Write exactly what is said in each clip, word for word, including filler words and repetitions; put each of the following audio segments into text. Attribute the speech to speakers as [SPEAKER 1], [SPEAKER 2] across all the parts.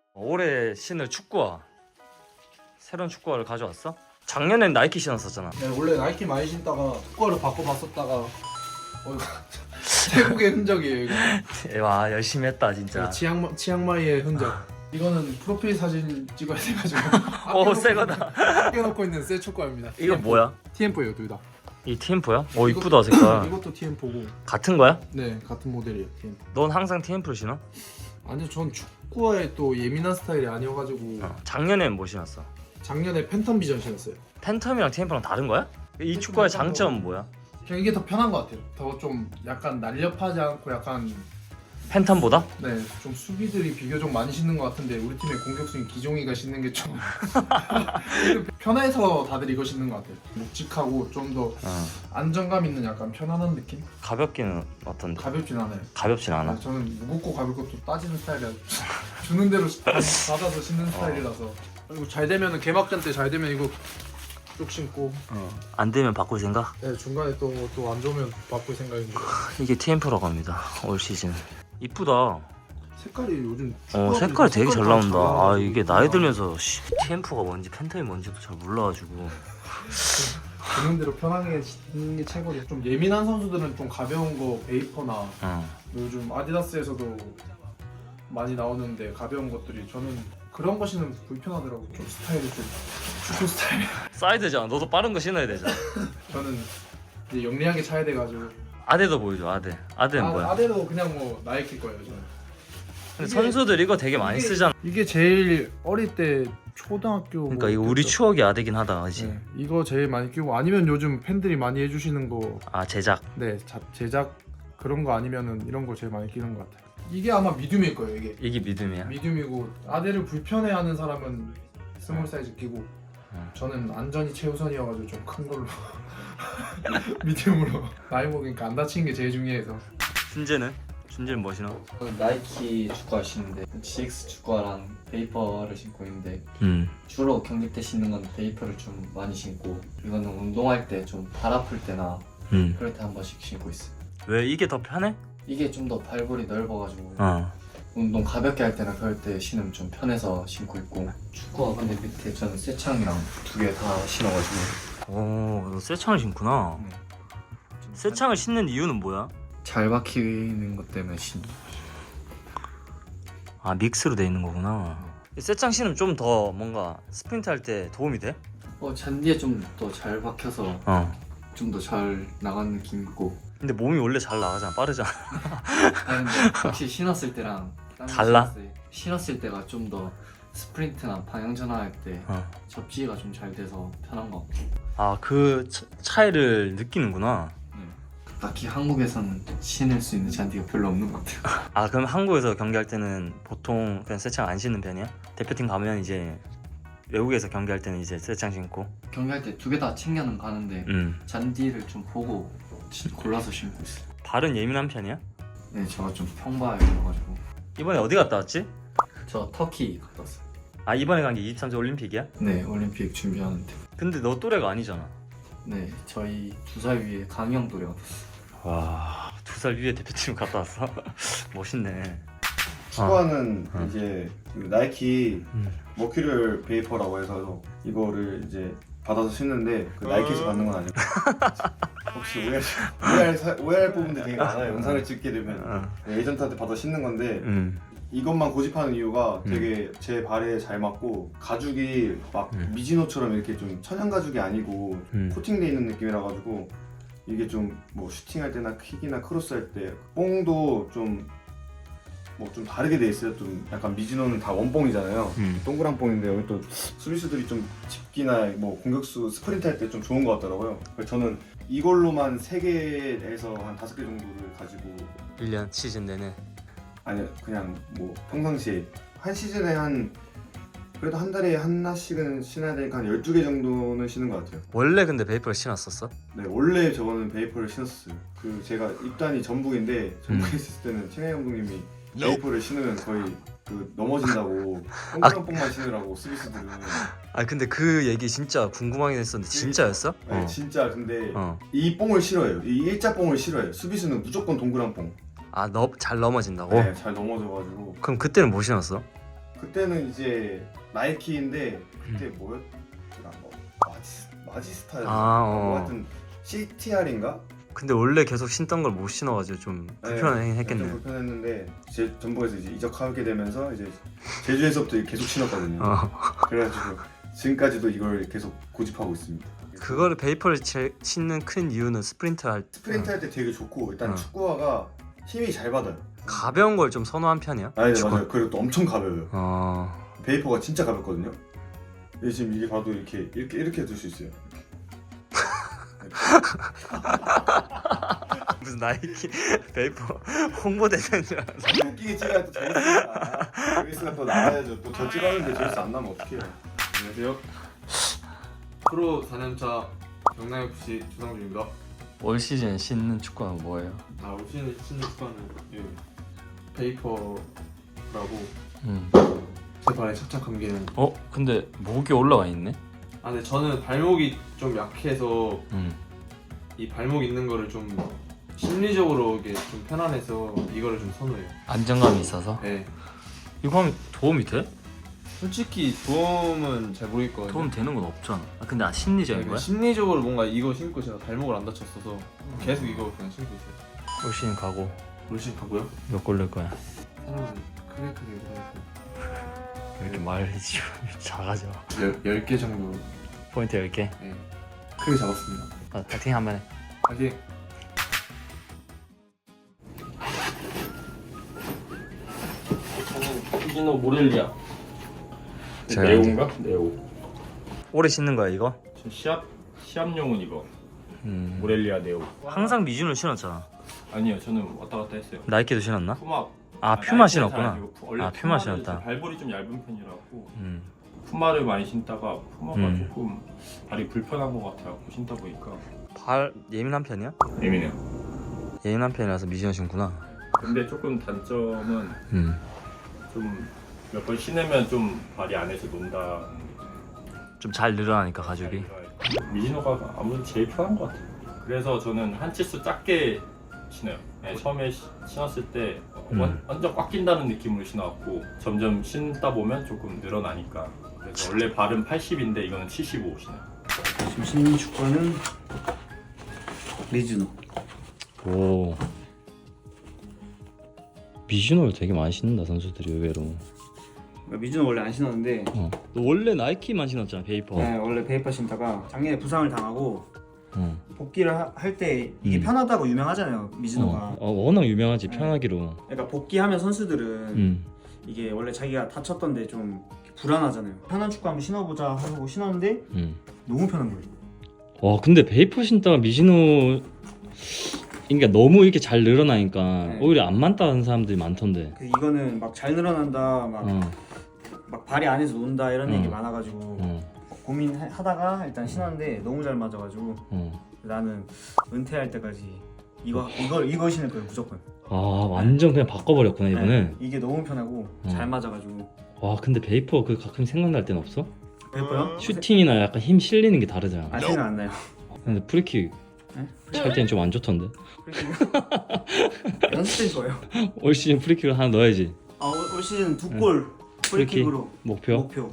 [SPEAKER 1] 올해 신을 축구화 새로운 축구화를 가져왔어? 작년엔 나이키 신었었잖아.
[SPEAKER 2] 네, 원래 나이키 많이 신다가 축구화를 바꿔봤었다가 어, 이거 태국의 흔적이에요 이거.
[SPEAKER 1] 와 열심히 했다 진짜.
[SPEAKER 2] 치앙마, 치앙마이의 흔적. 이거는 프로필 사진 찍어야 돼가지고
[SPEAKER 1] 오 새거다.
[SPEAKER 2] 아껴놓고 있는 새 축구화입니다.
[SPEAKER 1] 이거 뭐야?
[SPEAKER 2] 티엠포예요 둘 다.
[SPEAKER 1] 이 티엠포야? 오 이쁘다 색깔.
[SPEAKER 2] 이것도 티엠포고.
[SPEAKER 1] 같은 거야?
[SPEAKER 2] 네 같은 모델이에요 티엠포.
[SPEAKER 1] 넌 항상 티엠포를 신어?
[SPEAKER 2] 아니요 전 축구화에 또 예민한 스타일이 아니어가지고
[SPEAKER 1] 어. 작년엔 뭐 신었어?
[SPEAKER 2] 작년에 팬텀 비전 신었어요.
[SPEAKER 1] 팬텀이랑 티엠포랑 다른 거야? 이
[SPEAKER 2] 팬텀
[SPEAKER 1] 축구화의
[SPEAKER 2] 팬텀.
[SPEAKER 1] 장점은 뭐야?
[SPEAKER 2] 그냥 이게 더 편한 것 같아요. 더 좀 약간 날렵하지 않고 약간
[SPEAKER 1] 팬텀보다?
[SPEAKER 2] 네, 좀 수비들이 비교적 많이 신는 것 같은데 우리 팀의 공격수인 기종이가 신는 게 좀 편해서 다들 이거 신는 것 같아요. 묵직하고 좀 더
[SPEAKER 1] 어.
[SPEAKER 2] 안정감 있는 약간 편안한 느낌?
[SPEAKER 1] 가볍기는 어떤데?
[SPEAKER 2] 가볍진 않아요.
[SPEAKER 1] 가볍진 않아.
[SPEAKER 2] 아, 저는 무겁고 가볍고 또 따지는 스타일이라 주는 대로 받아서 신는 스타일이라서. 그리고 잘 되면 개막전 때 잘 되면 이거 쭉 신고
[SPEAKER 1] 어. 안 되면 바꿀 생각?
[SPEAKER 2] 네, 중간에 또 또 안 좋으면 바꿀 생각인데.
[SPEAKER 1] 이게 티엠포라고 합니다. 올 시즌. 이쁘다.
[SPEAKER 2] 색깔이 요즘
[SPEAKER 1] 어
[SPEAKER 2] 축구화들이
[SPEAKER 1] 색깔이 되게 잘 나온다. 아
[SPEAKER 2] 나와가지고
[SPEAKER 1] 이게 나이 들면서 씨, 티엠포가 뭔지 팬텀이 뭔지도 잘 몰라가지고.
[SPEAKER 2] 주는 대로 편하게 신는 게 최고죠. 좀 예민한 선수들은 좀 가벼운 거 베이퍼나
[SPEAKER 1] 어.
[SPEAKER 2] 요즘 아디다스에서도 많이 나오는데 가벼운 것들이 저는 그런 거 신으면 불편하더라고. 좀 스타일이 좀 축구 스타일.
[SPEAKER 1] 사이드잖아. 너도 빠른 거 신어야 되잖아.
[SPEAKER 2] 저는 이제 영리하게 차야 돼가지고.
[SPEAKER 1] 아데도 보여줘. 아데. 아데는
[SPEAKER 2] 아,
[SPEAKER 1] 뭐야?
[SPEAKER 2] 아데도 그냥 뭐 나이키 거예요 저는.
[SPEAKER 1] 근데
[SPEAKER 2] 이게-
[SPEAKER 1] 선수들 이거 되게 많이
[SPEAKER 2] 이게-
[SPEAKER 1] 쓰잖아.
[SPEAKER 2] 이게 제일 어릴 때 초등학교.
[SPEAKER 1] 그러니까 이거 우리 추억이 아데긴 하다, 그지?
[SPEAKER 2] 네, 이거 제일 많이 끼고 아니면 요즘 팬들이 많이 해주시는 거.
[SPEAKER 1] 아 제작.
[SPEAKER 2] 네, 자, 제작 그런 거 아니면은 이런 거 제일 많이 끼는 것 같아요. 이게 아마 미디움일 거예요 이게.
[SPEAKER 1] 이게 믿음이야.
[SPEAKER 2] 미디움이고 아대를 불편해하는 사람은 스몰 사이즈 끼고
[SPEAKER 1] 어.
[SPEAKER 2] 저는 안전이 최우선이어가지고 좀 큰 걸로 미디움으로 나이 먹으니까 안 다치는 게 제일 중요해서.
[SPEAKER 1] 준재는? 준재는 뭐 신어?
[SPEAKER 3] 저는 나이키 축구화 신는데 지엑스 축구화랑 베이퍼를 신고 있는데
[SPEAKER 1] 음.
[SPEAKER 3] 주로 경기 때 신는 건 베이퍼를 좀 많이 신고 이거는 운동할 때 좀 발 아플 때나
[SPEAKER 1] 음.
[SPEAKER 3] 그럴 때 한 번씩 신고 있어요.
[SPEAKER 1] 왜 이게 더 편해?
[SPEAKER 3] 이게 좀 더 발볼이 넓어가지고
[SPEAKER 1] 어.
[SPEAKER 3] 운동 가볍게 할 때나 그럴 때 신으면 좀 편해서 신고 있고 축구화 근데 밑에 저는 쇠창이랑 두 개 다 신어가지고
[SPEAKER 1] 오, 너 쇠창을 신구나.
[SPEAKER 3] 네. 좀
[SPEAKER 1] 쇠창을 신는 이유는 뭐야?
[SPEAKER 3] 잘 박히는 것 때문에 신.
[SPEAKER 1] 아 믹스로 돼 있는 거구나. 이 쇠창 신으면 좀 더 뭔가 스프린트 할 때 도움이 돼?
[SPEAKER 3] 어 잔디에 좀 더 잘 박혀서
[SPEAKER 1] 어.
[SPEAKER 3] 좀 더 잘 나가는 느낌 있고.
[SPEAKER 1] 근데 몸이 원래 잘 나가잖아. 빠르잖아.
[SPEAKER 3] 아니, 근데 확실히 신었을 때랑 딴거
[SPEAKER 1] 달라?
[SPEAKER 3] 신었을 때, 신었을 때가 좀 더 스프린트나 방향 전환할 때
[SPEAKER 1] 어.
[SPEAKER 3] 접지가 좀 잘 돼서 편한 것 같고.
[SPEAKER 1] 아 그 차이를 느끼는구나.
[SPEAKER 3] 딱히 한국에서는 신을 수 있는 잔디가 별로 없는 것 같아요.
[SPEAKER 1] 아 그럼 한국에서 경기할 때는 보통 그냥 쇠창 안 신는 편이야? 대표팀 가면 이제 외국에서 경기할 때는 이제 쇠창 신고.
[SPEAKER 3] 경기할 때 두 개 다 챙겨는 가는데
[SPEAKER 1] 음.
[SPEAKER 3] 잔디를 좀 보고 신- 골라서 신고 있어요.
[SPEAKER 1] 발은 예민한 편이야?
[SPEAKER 3] 네, 제가 좀 평바해가지고.
[SPEAKER 1] 이번에 어디 갔다 왔지?
[SPEAKER 3] 저 터키 갔다 왔어요.
[SPEAKER 1] 아 이번에 간 게 이십삼 세 올림픽이야?
[SPEAKER 3] 네, 올림픽 준비하는데.
[SPEAKER 1] 근데 너 또래가 아니잖아.
[SPEAKER 3] 네, 저희 두 살 위에 강영 또래가 됐어요.
[SPEAKER 1] 와, 두 살 위에 대표팀 갔다 왔어? 멋있네.
[SPEAKER 4] 축구화는
[SPEAKER 1] 어.
[SPEAKER 4] 이제 그 나이키
[SPEAKER 1] 음.
[SPEAKER 4] 머큐럴 베이퍼라고 해서 이거를 이제 받아서 신는데 그 나이키에서 받는 건 아니고 혹시 오해할, 오해할, 사- 오해할 부분들이 되게 많아요. 영상을 찍게 되면
[SPEAKER 1] 어.
[SPEAKER 4] 에이전트한테 받아 신는 건데
[SPEAKER 1] 음.
[SPEAKER 4] 이것만 고집하는 이유가
[SPEAKER 1] 음.
[SPEAKER 4] 되게 제 발에 잘 맞고 가죽이 막
[SPEAKER 1] 음.
[SPEAKER 4] 미지노처럼 이렇게 좀 천연 가죽이 아니고
[SPEAKER 1] 음.
[SPEAKER 4] 코팅돼 있는 느낌이라 가지고 이게 좀 뭐 슈팅할 때나 킥이나 크로스 할 때 뽕도 좀 뭐 좀 다르게 돼 있어요. 좀 약간 미지노는 다 원뽕이잖아요.
[SPEAKER 1] 음.
[SPEAKER 4] 동그란 뽕인데 여기 또 수비수들이 좀 집기나 뭐 공격수 스프린트 할 때 좀 좋은 것 같더라고요. 그래서 저는 이걸로만 세 개에서 한 다섯 개 정도를 가지고
[SPEAKER 1] 일 년 시즌 내내.
[SPEAKER 4] 아니 그냥 뭐 평상시에 한 시즌에 한 그래도 한 달에 하나씩은 신어야 되니까 한 열두 개 정도는 신는 것 같아요.
[SPEAKER 1] 원래 근데 베이퍼를 신었었어?
[SPEAKER 4] 네 원래 저거는 베이퍼를 신었어요. 그 제가 입단이 전북인데 전북에
[SPEAKER 1] 음.
[SPEAKER 4] 있을 때는 최강 감독님이 베이퍼를 신으면 거의 그 넘어진다고
[SPEAKER 1] 아.
[SPEAKER 4] 동그란 뽕만 신으라고 수비수들은.
[SPEAKER 1] 아 근데 그 얘기 진짜 궁금하긴 했었는데 진짜였어?
[SPEAKER 4] 네, 진짜 근데
[SPEAKER 1] 어.
[SPEAKER 4] 이 뽕을 싫어해요. 이 일자 뽕을 싫어해요. 수비수는 무조건 동그란 뽕.
[SPEAKER 1] 아, 너 잘 넘어진다고?
[SPEAKER 4] 네, 잘 넘어져가지고
[SPEAKER 1] 그럼 그때는 뭐 신었어?
[SPEAKER 4] 그때는 이제 나이키인데 그때 뭐였더라? 뭐 마지 마지스타였나?
[SPEAKER 1] 아, 어.
[SPEAKER 4] 뭐 하여튼 씨티알인가?
[SPEAKER 1] 근데 원래 계속 신던 걸 못 신어가지고 좀 불편하긴
[SPEAKER 4] 좀
[SPEAKER 1] 했겠네.
[SPEAKER 4] 불편했는데 제 전북에서 이제 이적하게 되면서 이제 제주에서부터 계속 신었거든요.
[SPEAKER 1] 어.
[SPEAKER 4] 그래가지고 지금까지도 이걸 계속 고집하고 있습니다.
[SPEAKER 1] 그거를 베이퍼를 제, 신는 큰 이유는 스프린트 할
[SPEAKER 4] 스프린트 할 때 되게 좋고 일단
[SPEAKER 1] 어.
[SPEAKER 4] 축구화가 힘이 잘 받아요.
[SPEAKER 1] 가벼운 걸 좀 선호한 편이야?
[SPEAKER 4] 아, 네,
[SPEAKER 1] 축구.
[SPEAKER 4] 맞아요. 그리고 또 엄청 가벼워요.
[SPEAKER 1] 어...
[SPEAKER 4] 베이퍼가 진짜 가볍거든요. 근데 지금 이게 봐도 이렇게 이렇게 이렇게 들 수 있어요.
[SPEAKER 1] 무슨 나이키 베이퍼 홍보대사인 줄 알았어.
[SPEAKER 4] 웃기게 찍어야 또 재밌으니까. 재밌으면 또 나와야죠. 또 저 찍었는데 재밌어 안 나면 어떡해요.
[SPEAKER 2] 안녕하세요. 프로 사 년차 경남에프씨 조상준입니다.
[SPEAKER 1] 올 시즌 신는 축구는 뭐예요?
[SPEAKER 2] 아, 올 시즌 신는 축구화는 이 베이퍼라고
[SPEAKER 1] 음.
[SPEAKER 2] 제 발에 착착 감기는.
[SPEAKER 1] 어? 근데 목이 올라와 있네?
[SPEAKER 2] 아, 근데 저는 발목이 좀 약해서
[SPEAKER 1] 음.
[SPEAKER 2] 이 발목 있는 거를 좀 심리적으로 이게 좀 편안해서 이거를 좀 선호해요.
[SPEAKER 1] 안정감이 있어서?
[SPEAKER 2] 네.
[SPEAKER 1] 이거 하면 도움이 돼?
[SPEAKER 2] 솔직히 도움은 잘 모르겠거든요.
[SPEAKER 1] 도움 되는 건 없잖아. 아, 근데 아, 심리적인
[SPEAKER 2] 네,
[SPEAKER 1] 거야?
[SPEAKER 2] 심리적으로 뭔가 이거 신고 제가 발목을 안 다쳤어서 계속 이거 그냥 신고 있어요.
[SPEAKER 1] 올 시즌 가고
[SPEAKER 2] 올 시즌 가고요.
[SPEAKER 1] 몇 골 넣을 거야?
[SPEAKER 2] 사람은 크게 크게 해서
[SPEAKER 1] 왜 이렇게 말이 좀 작아져.
[SPEAKER 2] 열 개 정도.
[SPEAKER 1] 포인트 열 개?
[SPEAKER 2] 네. 크게 잡았습니다.
[SPEAKER 1] 아, 파이팅 한번 해.
[SPEAKER 2] 파이팅!
[SPEAKER 5] 저는 미즈노 모렐리아.
[SPEAKER 1] 제가
[SPEAKER 5] 네오인가? 네오.
[SPEAKER 1] 오래 신는 거야 이거?
[SPEAKER 5] 저 시합 시합용은 이거.
[SPEAKER 1] 음.
[SPEAKER 5] 모렐리아 네오.
[SPEAKER 1] 항상 미준을 신었잖아.
[SPEAKER 5] 아니요, 저는 왔다 갔다 했어요.
[SPEAKER 1] 나이키도 신었나?
[SPEAKER 5] 푸마.
[SPEAKER 1] 아 퓨마
[SPEAKER 5] 나이키는
[SPEAKER 1] 신었구나.
[SPEAKER 5] 잘 아니고 푸- 원래
[SPEAKER 1] 아, 퓨마
[SPEAKER 5] 푸마를
[SPEAKER 1] 신었다.
[SPEAKER 5] 제 발볼이 좀 얇은 편이라고
[SPEAKER 1] 음.
[SPEAKER 5] 푸마를 많이 신다가 푸마가
[SPEAKER 1] 음.
[SPEAKER 5] 조금 발이 불편한 것 같아요. 신다 보니까.
[SPEAKER 1] 발 예민한 편이야?
[SPEAKER 5] 예민해요.
[SPEAKER 1] 예민한 편이라서 미준을 신구나.
[SPEAKER 5] 근데 조금 단점은
[SPEAKER 1] 음.
[SPEAKER 5] 좀 몇 번 신으면 좀 발이 안에서 논다.
[SPEAKER 1] 좀 잘 늘어나니까 가죽이.
[SPEAKER 5] 미즈노가 아무래도 제일 편한 것 같아요. 그래서 저는 한 치수 작게 신어요. 네, 처음에 시- 신었을 때
[SPEAKER 1] 음.
[SPEAKER 5] 완, 완전 꽉 낀다는 느낌으로 신어왔고 점점 신다 보면 조금 늘어나니까. 그래서 원래 발은 팔십인데 이거는 칠십오 신어요.
[SPEAKER 6] 지금 신는 축구화는 미즈노.
[SPEAKER 1] 오. 미준호를 되게 많이 신는다 선수들이 의외로.
[SPEAKER 6] 미즈노 원래 안 신었는데
[SPEAKER 1] 어. 너 원래 나이키만 신었잖아 베이퍼.
[SPEAKER 6] 네, 원래 베이퍼 신다가 작년에 부상을 당하고
[SPEAKER 1] 어.
[SPEAKER 6] 복귀를 할 때 이게
[SPEAKER 1] 음.
[SPEAKER 6] 편하다고 유명하잖아요 미즈노가.
[SPEAKER 1] 어. 어, 워낙 유명하지
[SPEAKER 6] 네.
[SPEAKER 1] 편하기로.
[SPEAKER 6] 그러니까 복귀하면 선수들은
[SPEAKER 1] 음.
[SPEAKER 6] 이게 원래 자기가 다쳤던데 좀 불안하잖아요. 편한 축구 한번 신어보자 하고 신었는데
[SPEAKER 1] 음.
[SPEAKER 6] 너무 편한 거예요.
[SPEAKER 1] 와 근데 베이퍼 신다가 미즈노 그러니까 너무 이렇게 잘 늘어나니까
[SPEAKER 6] 네.
[SPEAKER 1] 오히려 안 맞다는 사람들이 많던데.
[SPEAKER 6] 그 이거는 막 잘 늘어난다, 막,
[SPEAKER 1] 어.
[SPEAKER 6] 막 발이 안에서 논다 이런
[SPEAKER 1] 어.
[SPEAKER 6] 얘기 많아가지고
[SPEAKER 1] 어.
[SPEAKER 6] 고민하다가 일단 신었는데 너무 잘 맞아가지고
[SPEAKER 1] 어.
[SPEAKER 6] 나는 은퇴할 때까지 이거 이걸 이거 신을 거예요 무조건.
[SPEAKER 1] 아 완전 그냥 바꿔버렸구나 이번에.
[SPEAKER 6] 네, 이게 너무 편하고
[SPEAKER 1] 어.
[SPEAKER 6] 잘 맞아가지고.
[SPEAKER 1] 와 근데 베이퍼 그 가끔 생각날 땐 없어?
[SPEAKER 6] 예뻐요?
[SPEAKER 1] 슈팅이나 약간 힘 실리는 게 다르잖아.
[SPEAKER 6] 아 생각 안 나요.
[SPEAKER 1] 근데 프리킥
[SPEAKER 6] 네?
[SPEAKER 1] 찰 때는 좀 안 좋던데.
[SPEAKER 6] 연습된 거예요.
[SPEAKER 1] 올 시즌 프리킥을 하나 넣어야지.
[SPEAKER 6] 아, 올, 올 시즌 두 골 프리킥으로
[SPEAKER 1] 목표.
[SPEAKER 6] 목표.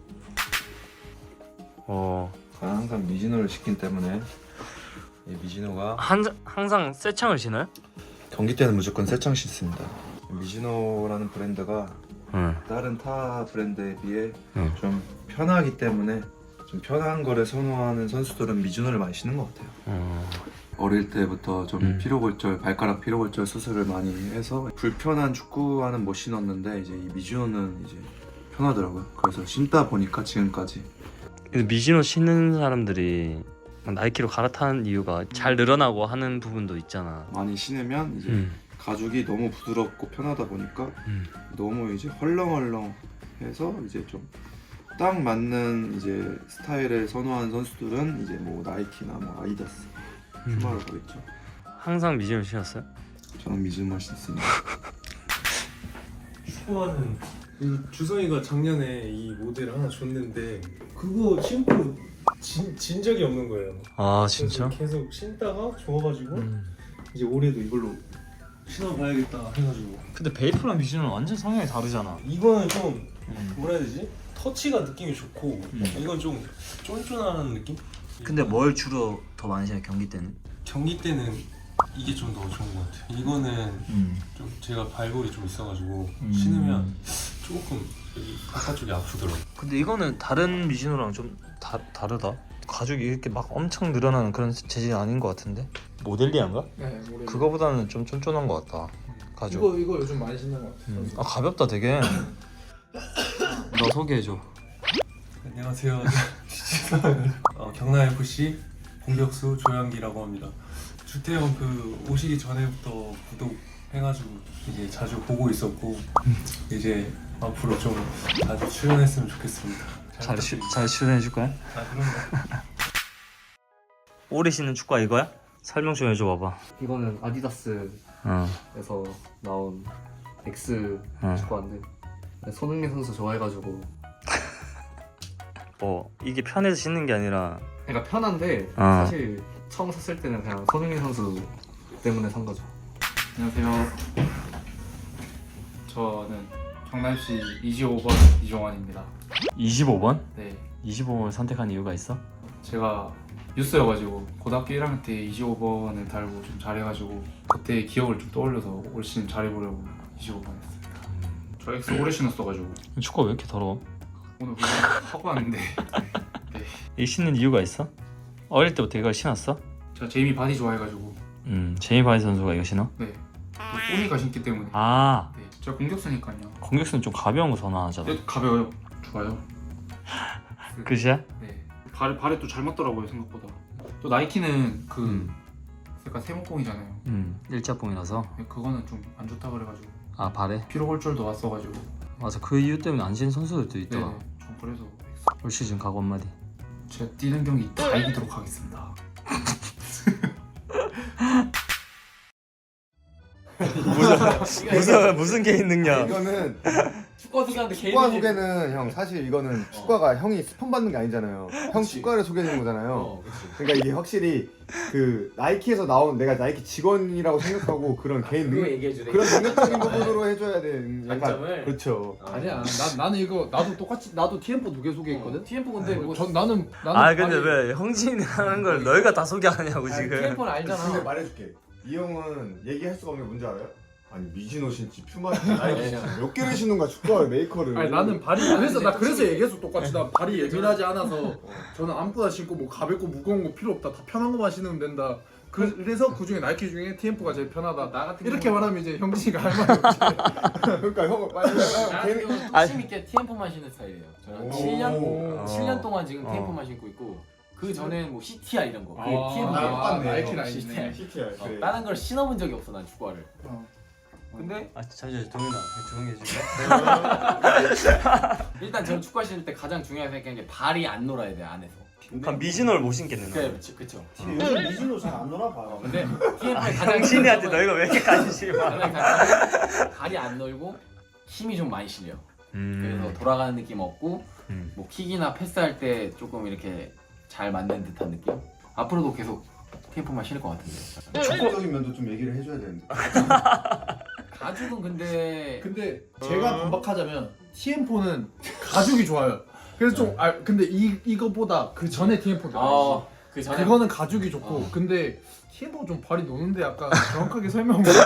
[SPEAKER 1] 어.
[SPEAKER 7] 저는 항상 미즈노를 신기 때문에 이 미즈노가
[SPEAKER 1] 한 항상 새 창을 신어요?
[SPEAKER 7] 경기 때는 무조건 새창 신습니다. 미즈노라는 브랜드가
[SPEAKER 1] 응.
[SPEAKER 7] 다른 타 브랜드에 비해
[SPEAKER 1] 응.
[SPEAKER 7] 좀 편하기 때문에 좀 편한 거를 선호하는 선수들은 미즈노를 많이 신는 것 같아요.
[SPEAKER 1] 어.
[SPEAKER 7] 어릴 때부터 좀
[SPEAKER 1] 음.
[SPEAKER 7] 피로골절, 발가락 피로골절 수술을 많이 해서 불편한 축구화는 못 신었는데 이제 이 미즈노는 이제 편하더라고요. 그래서 신다 보니까 지금까지.
[SPEAKER 1] 근데 미즈노 신는 사람들이 나이키로 갈아타는 이유가 잘 늘어나고 하는 부분도 있잖아.
[SPEAKER 7] 많이 신으면 이제
[SPEAKER 1] 음.
[SPEAKER 7] 가죽이 너무 부드럽고 편하다 보니까
[SPEAKER 1] 음.
[SPEAKER 7] 너무 이제 헐렁헐렁해서 이제 좀 딱 맞는 이제 스타일을 선호하는 선수들은 이제 뭐 나이키나 뭐 아디다스, 퓨마로 가겠죠.
[SPEAKER 1] 항상 미즈노 신었어요?
[SPEAKER 7] 저는 미즈노 신습니다.
[SPEAKER 8] 축구화는 이 주성이가 작년에 이 모델 하나 줬는데 그거 신고 진, 진 적이 없는 거예요.
[SPEAKER 1] 아
[SPEAKER 8] 그래서 계속 신다가 좋아가지고
[SPEAKER 1] 음.
[SPEAKER 8] 이제 올해도 이걸로 신어봐야겠다 해가지고.
[SPEAKER 1] 근데 베이프랑 미즈노는 완전 성향이 다르잖아.
[SPEAKER 8] 이거는 좀
[SPEAKER 1] 음.
[SPEAKER 8] 뭐라 해야 되지? 터치가 느낌이 좋고 이건 좀 쫀쫀한 느낌?
[SPEAKER 1] 근데 뭘 주로 더 많이 신어요 경기 때는?
[SPEAKER 8] 경기 때는 이게 좀 더 좋은 것 같아요. 이거는
[SPEAKER 1] 음.
[SPEAKER 8] 좀 제가 발골이 좀 있어가지고
[SPEAKER 1] 음.
[SPEAKER 8] 신으면 조금 여기 바깥쪽이 아프더라고.
[SPEAKER 1] 근데 이거는 다른 미즈노랑 좀 다, 다르다. 가죽이 이렇게 막 엄청 늘어나는 그런 재질이 아닌 것 같은데? 모델리안가?
[SPEAKER 2] 네, 모르겠어요.
[SPEAKER 1] 그거보다는 좀 쫀쫀한 것 같다. 가죽.
[SPEAKER 2] 이거 이거 요즘 많이 신는 것 같아요.
[SPEAKER 1] 음. 아 가볍다 되게. 너 소개해줘.
[SPEAKER 8] 안녕하세요. 어, 경남에프씨 공격수 조양기라고 합니다. 주태형 그 오시기 전에부터 구독해가지고 이제 자주 보고 있었고 이제 앞으로 좀 자주 출연했으면 좋겠습니다.
[SPEAKER 1] 잘, 슈, 잘 출연해줄 거야?
[SPEAKER 8] 아 그럼요.
[SPEAKER 1] 올해 신는 축구화 이거야? 설명 좀 해줘 봐봐.
[SPEAKER 3] 이거는 아디다스에서
[SPEAKER 1] 어.
[SPEAKER 3] 나온 X
[SPEAKER 1] 어.
[SPEAKER 3] 축구화인데 손흥민 선수 좋아해가지고
[SPEAKER 1] 뭐 이게 편해서 신는 게 아니라
[SPEAKER 3] 그러니까 편한데
[SPEAKER 1] 어.
[SPEAKER 3] 사실 처음 샀을 때는 그냥 손흥민 선수 때문에 산 거죠.
[SPEAKER 9] 안녕하세요. 저는 경남시 이십오 번 이종환입니다.
[SPEAKER 1] 이십오 번?
[SPEAKER 9] 네,
[SPEAKER 1] 이십오 번을 선택한 이유가 있어?
[SPEAKER 9] 제가 뉴스여가지고 고등학교 일 학년 때 이십오 번을 달고 좀 잘해가지고 그때의 기억을 좀 떠올려서 올 시즌 잘해보려고 이십오 번 했습니다. 저 X 오래 신었어가지고
[SPEAKER 1] 축구화 왜 이렇게 더러워?
[SPEAKER 9] 오늘 그냥 하고 왔는데
[SPEAKER 1] 이 신는 이유가 있어? 어릴 때부터 이걸 신었어?
[SPEAKER 9] 제가 제이미 바디 좋아해가지고
[SPEAKER 1] 음 제이미 바디 선수가 이거 신어?
[SPEAKER 9] 네, 또 소니가 신기 때문에
[SPEAKER 1] 아
[SPEAKER 9] 네, 제가 공격수니까요.
[SPEAKER 1] 공격수는 좀 가벼운 거 선호하잖아.
[SPEAKER 9] 네, 가벼워요. 좋아요.
[SPEAKER 1] 끝이야?
[SPEAKER 9] 네, 발에 발에 또 잘 맞더라고요 생각보다. 또 나이키는 그
[SPEAKER 1] 음.
[SPEAKER 9] 약간 세모공이잖아요.
[SPEAKER 1] 음 일자봉이라서.
[SPEAKER 9] 네, 그거는 좀 안 좋다 그래가지고
[SPEAKER 1] 아 발에?
[SPEAKER 9] 피로 골절도 왔어가지고
[SPEAKER 1] 맞아 그 이유 때문에 안 신는 선수들도
[SPEAKER 9] 네,
[SPEAKER 1] 있더라.
[SPEAKER 9] 좀 그래서
[SPEAKER 1] 올 시즌 각오 한마디.
[SPEAKER 9] 제가 뛰는 경기 다 이기도록 하겠습니다.
[SPEAKER 1] 무슨 무슨 개인 능력?
[SPEAKER 4] 이거는
[SPEAKER 10] 축구 소개하는데
[SPEAKER 4] 축구화 소개는 형 사실 이거는 축구화가 형이 스폰 받는 게 아니잖아요. 형 축구화를 소개해주는 거잖아요.
[SPEAKER 10] 어, 그치.
[SPEAKER 4] 그러니까 이게 확실히 그 나이키에서 나온 내가 나이키 직원이라고 생각하고 그런 개인
[SPEAKER 10] 그거
[SPEAKER 4] 능
[SPEAKER 10] 얘기해주네.
[SPEAKER 4] 그런 능력적인 부분으로 해줘야 되는 약간
[SPEAKER 10] 장점을.
[SPEAKER 4] 그렇죠.
[SPEAKER 2] 아니야. 난 나는 이거 나도 똑같이 나도 티엠포 두 개 소개했거든.
[SPEAKER 10] 티엠포 근데 뭐
[SPEAKER 2] 전 나는 나는
[SPEAKER 1] 아 근데
[SPEAKER 2] 아니,
[SPEAKER 1] 왜 형진이 하는 걸 너희가 다 소개하냐고 지금.
[SPEAKER 10] 티엠포는
[SPEAKER 4] 근데
[SPEAKER 10] 알잖아.
[SPEAKER 4] 말해줄게. 이 형은 얘기할 수가 없는 게 뭔지 알아요? 아니 미즈노 신지 퓨마 신지 나이키 신지 몇 개를 신는 거야 축구화 메이커를.
[SPEAKER 2] 아니 나는 발이 그래서 나 그래서 얘기했어 똑같이 나 발이 예민하지 않아서 저는 아무거나 신고 뭐 가볍고 무거운 거 필요 없다 다 편한 거만 신으면 된다. 그, 그래서 그 중에 나이키 중에 티엠포가 제일 편하다.
[SPEAKER 10] 나 같은
[SPEAKER 2] 이렇게
[SPEAKER 10] 경우는-
[SPEAKER 2] 말하면 이제 형진이가 할 말이 없지.
[SPEAKER 4] 그러니까 형은 빨리
[SPEAKER 10] 나 같은
[SPEAKER 4] 걔는
[SPEAKER 10] 경우는 뚝심 있게 티엠포만 신는 스타일이에요. 저는
[SPEAKER 4] 오.
[SPEAKER 10] 칠 년
[SPEAKER 1] 오.
[SPEAKER 10] 칠 년 동안 지금
[SPEAKER 1] 어.
[SPEAKER 10] 티엠포만 신고 있고 그 전에는 뭐 씨티알 이런 거. 그게
[SPEAKER 2] 아,
[SPEAKER 10] 티엠포.
[SPEAKER 2] 아,
[SPEAKER 4] 똑같네.
[SPEAKER 2] 나이키 라인이네.
[SPEAKER 10] 시스템.
[SPEAKER 4] 시티야.
[SPEAKER 10] 어,
[SPEAKER 4] 그래.
[SPEAKER 10] 다른 걸 신어본 적이 없어 난 축구화를.
[SPEAKER 2] 어.
[SPEAKER 10] 근데
[SPEAKER 1] 아 잠시만 동현아 조용히 해줄래?
[SPEAKER 10] 일단 저는 축구화 신을 때 가장 중요하게 생각하는 게 발이 안 놀아야 돼 안에서.
[SPEAKER 1] 그럼 미즈노를 못 신겠네 너.
[SPEAKER 10] 그렇죠, 그렇죠.
[SPEAKER 6] 요즘 미즈노 잘 안 놀아 봐.
[SPEAKER 10] 어, 근데 티엠포의 가장
[SPEAKER 1] 형진이한테
[SPEAKER 10] 큰
[SPEAKER 1] 너희가 왜 이렇게 관심이 많아?
[SPEAKER 10] 가장 장점은 발이 안 놀고 힘이 좀 많이 실려. 그래서 돌아가는 느낌 없고
[SPEAKER 1] 음.
[SPEAKER 10] 뭐 킥이나 패스할 때 조금 이렇게 잘 맞는 듯한 느낌. 앞으로도 계속 티엠포만 신을 것 같은데.
[SPEAKER 4] 축구적인 면도 좀 얘기를 해줘야 되는데.
[SPEAKER 10] 가죽은 근데
[SPEAKER 2] 근데 제가 반박하자면 티엠포는 가죽이 좋아요. 그래서 좀 아 근데 이 이거보다 그 전에 티엠포가
[SPEAKER 10] 어, 그 전에
[SPEAKER 2] 그거는 가죽이 좋고
[SPEAKER 10] 어.
[SPEAKER 2] 근데 티엠포 좀 발이 노는데 약간 정확하게 설명 못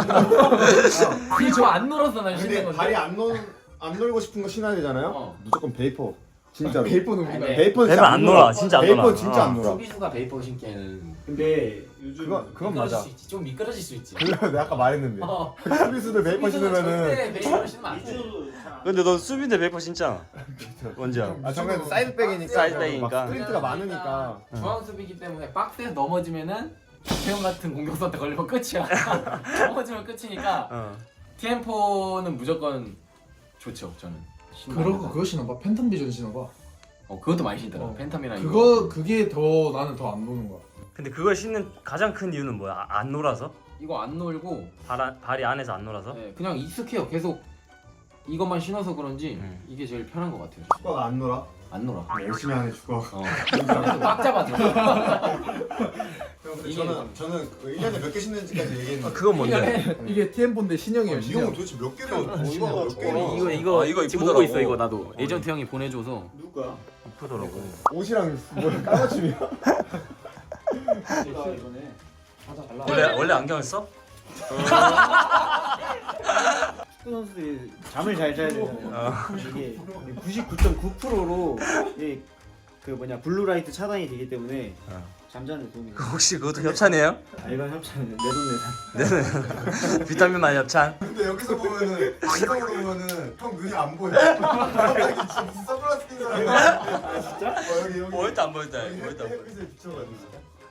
[SPEAKER 10] 티엠포 안 놀아서 난 신는
[SPEAKER 4] 근데
[SPEAKER 10] 건데.
[SPEAKER 4] 발이 안 놀, 안 놀고 싶은 거 신어야 되잖아요.
[SPEAKER 10] 어.
[SPEAKER 4] 무조건 베이퍼. 진짜로.
[SPEAKER 2] 베이퍼는
[SPEAKER 10] 아니,
[SPEAKER 2] 우리가
[SPEAKER 10] 네.
[SPEAKER 4] 베이퍼는
[SPEAKER 1] 베이퍼 안 놀아, 진짜 안 놀아.
[SPEAKER 4] 베이퍼는 진짜 안 놀아.
[SPEAKER 10] 수비수가 베이퍼 신기에는
[SPEAKER 6] 근데 요즘
[SPEAKER 4] 그건 그건
[SPEAKER 10] 미끄러질
[SPEAKER 4] 맞아.
[SPEAKER 10] 수 있지. 좀 미끄러질 수 있지.
[SPEAKER 4] 그래서 내가 아까 말했는데.
[SPEAKER 10] 어.
[SPEAKER 4] 수비수들 베이퍼
[SPEAKER 10] 수비수는
[SPEAKER 4] 신으면은
[SPEAKER 10] 절대 베이퍼 신으면 안 돼.
[SPEAKER 6] 미즈노도 잘 안-
[SPEAKER 1] 근데 너 수비대 베이퍼 신잖아. 원지야.
[SPEAKER 4] 아 정말 사이드백이니까
[SPEAKER 1] 사이드백이니까.
[SPEAKER 4] 막 스프린트가 많으니까.
[SPEAKER 10] 중앙 수비기 때문에 박스에서 넘어지면은 태형 같은 공격수한테 걸리면 끝이야. 넘어지면 끝이니까
[SPEAKER 1] 어.
[SPEAKER 10] 티엠포는 무조건 좋죠 저는.
[SPEAKER 2] 그러고 그거 신어봐 팬텀 비전 신어봐
[SPEAKER 10] 어 그것도 많이 신더라.
[SPEAKER 2] 어.
[SPEAKER 10] 팬텀이랑
[SPEAKER 2] 그거 그게 더 나는 더 안 노는 거야.
[SPEAKER 1] 근데 그걸 신는 가장 큰 이유는 뭐야? 아, 안 놀아서?
[SPEAKER 10] 이거 안 놀고
[SPEAKER 1] 발 안, 발이 안에서 안 놀아서?
[SPEAKER 10] 네, 그냥 익숙해요. 계속 이것만 신어서 그런지
[SPEAKER 1] 음.
[SPEAKER 10] 이게 제일 편한 것 같아요.
[SPEAKER 4] 축구가 안 놀아.
[SPEAKER 10] 안 놀아.
[SPEAKER 4] 열심히 하네 축구.
[SPEAKER 10] 어. 꽉 잡아줘.
[SPEAKER 2] 이게-
[SPEAKER 4] 저는 저는 그 일 년에 몇 개 신는지까지 얘기했는데
[SPEAKER 1] 그건 뭔데?
[SPEAKER 2] 이게 티엠포인데 신형이에요.
[SPEAKER 4] 이
[SPEAKER 2] 신형.
[SPEAKER 4] 형은 도대체 몇 개를 얼마나 몇 개를
[SPEAKER 10] 이거 이거
[SPEAKER 1] 아, 이거
[SPEAKER 10] 지금
[SPEAKER 1] 이쁘더라고.
[SPEAKER 10] 보고 있어 이거 나도 에이전트 형이 보내줘서
[SPEAKER 6] 누가?
[SPEAKER 1] 이쁘더라고.
[SPEAKER 4] 옷이랑 뭐 까맞춤이야?
[SPEAKER 6] 이번에
[SPEAKER 1] 원래 원래 안경을 써?
[SPEAKER 6] 축구 선수들이 잠을 잘 자야 되잖아요. 이게 구십구 점 구 퍼센트로 그 뭐냐 블루라이트 차단이 되기 때문에
[SPEAKER 1] 어.
[SPEAKER 6] 잠자는 데 도움이
[SPEAKER 1] 그
[SPEAKER 6] 돼요.
[SPEAKER 1] 혹시 그것도 협찬이에요?
[SPEAKER 6] 아, 이건 협찬은 내돈내산.
[SPEAKER 1] 비타민 만 협찬.
[SPEAKER 4] 근데 여기서 보면은 안경으로 보면은 형 눈이 안 보여. 갑자기 진짜 무슨 선글라스 낀 사람. 아 진짜? 어, 여기 여기.
[SPEAKER 1] 보였다 안 보였다.
[SPEAKER 4] 여기
[SPEAKER 1] 보였다 안 보였다.
[SPEAKER 4] 햇빛에 비춰가지고.